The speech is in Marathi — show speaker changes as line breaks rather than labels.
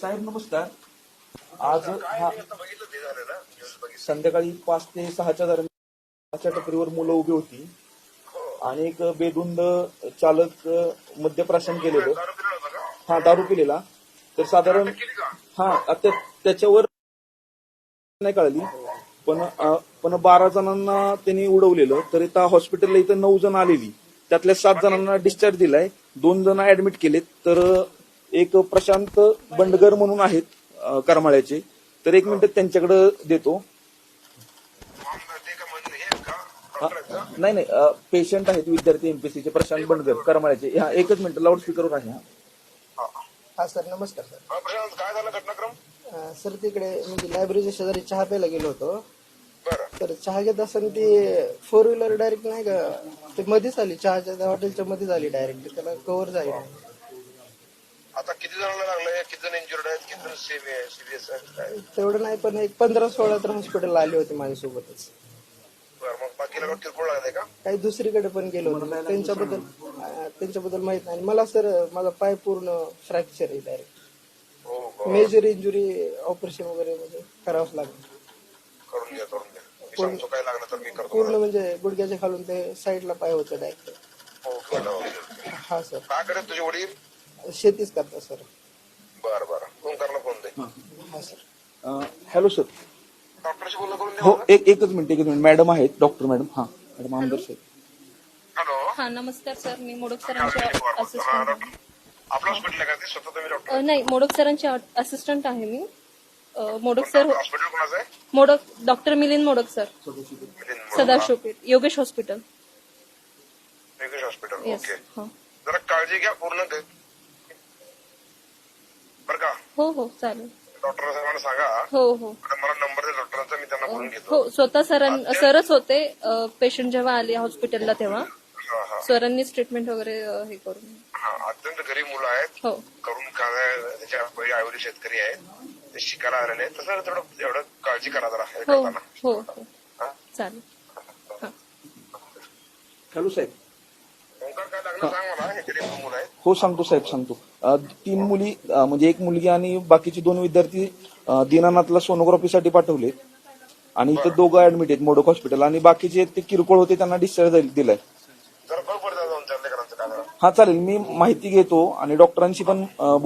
साहेब नमस्कार. आज संध्याकाळी 5 ते 6च्या दरम्यान टपरीवर मुलं उभी होती आणि एक बेधुंद चालक मद्यप्राशन केलेलं. हा, दारू पिलेला. तर साधारण त्याच्यावर नाही कळली, पण 12 जणांना त्यांनी उडवलेलं. तर इथं हॉस्पिटलला इथं 9 जण आलेली, त्यातल्या 7 जणांना डिस्चार्ज दिलाय, 2 जण ऍडमिट केलेत. तर एक प्रशांत बंडगर म्हणून आहेत करमाळ्याचे, तर 1 मिनिट त्यांच्याकडे देतो. नाही, पेशंट आहेत, विद्यार्थी एमपीसीचे, प्रशांत बंडगर करमाळ्याचे. हा, 1 मिनिट, लाऊडस्पीकरवर आहे.
हा सर, नमस्कार सर.
प्रशांत, काय झालं घटनाक्रम?
सर, तिकडे म्हणजे लायब्ररीच्या शेजारी चहा प्यायला गेलो होतो. तर चहा घेत असताना ती 4 व्हीलर डायरेक्ट नाही का ते मध्येच आली, चहाच्या हॉटेलच्या मध्येच आली डायरेक्ट, त्याला कव्हर झाली नाही.
आता किती जणांना लागलंय, किती जण इंजुर्ड आहेत, किती जण सिरियस आहेत काय?
तेवढं नाही, पण एक 15-16 तर हॉस्पिटलला आले होते माझ्यासोबतच.
बरं, मग बाकीला किरकोळ लागले का?
काही दुसरीकडे पण गेलो होतो, त्यांच्याबद्दल माहित नाही. मला सर माझा पाय पूर्ण फ्रॅक्चर आहे डायरेक्ट. मेजर इंजुरी, ऑपरेशन वगैरे म्हणजे करावंच लागेल.
करून घ्या. मी सांगतो काय लागलं तर मी करतो.
पूर्ण म्हणजे गुडघ्याच्या खालून ते साईडला पाय होतं डायरेक्ट. हा सर.
काय करत तुझे वडील?
शेतीच करता सर.
बरं, ओंकारला फोन दे.
हा सर.
Hello sir.
डॉक्टरशी बोलणं करून दे.
हो, एकच मिनिट. मॅडम आहेत, डॉक्टर मॅडम. हा मॅडम, आमदार साहेब.
हॅलो.
हा, नमस्कार सर. मी मोडक सरांचे असिस्टंट.
आपलं हॉस्पिटल आहे का ते? स्वतः तुम्ही डॉक्टर?
नाही, मोडक सरांचे असिस्टंट आहे मी. मोडक सर.
हॉस्पिटल कोणाचं आहे?
Modak doctor Milind Modak sir, Sadashivpeth, Yogesh hospital.
Yogesh hospital,
yes.
Okay. जरा काळजी घ्या पूर्ण बरं का?
हो, चालेल.
डॉक्टर साहेबांना सांगा.
हो.
मला नंबर दे डॉक्टरांचा, मी त्यांना बोलून घेतो.
हो, स्वतः सरच होते पेशंट जेव्हा आले हॉस्पिटलला तेव्हा. सरांनीच ट्रीटमेंट वगैरे हे करून.
अत्यंत गरीब मुलं आहेत.
हो.
करून त्याच्या पहिले आयुर्वेद शेतकरी आहेत, ते शिकायला आलेले आहेत. तसं एवढं काळजी करा जरा.
हो, चालेल.
हॅलो साहेब.
ओंकार, काय लागलं सांग मला. हे गरीब मुलं आहेत.
हो, सांगतो साहेब, सांगतो. 3 मुली, म्हणजे 1 मुलगी आणि बाकीचे 2 विद्यार्थी दीनानाथला सोनोग्राफीसाठी पाठवले आणि इथं 2 ऍडमिट आहेत मोडक हॉस्पिटल, आणि बाकीचे ते किरकोळ होते त्यांना डिस्चार्ज दिलाय.
जरा बघ बरं जाऊन चालले करायचं काय.
हा, चालेल. मी माहिती घेतो आणि डॉक्टरांशी पण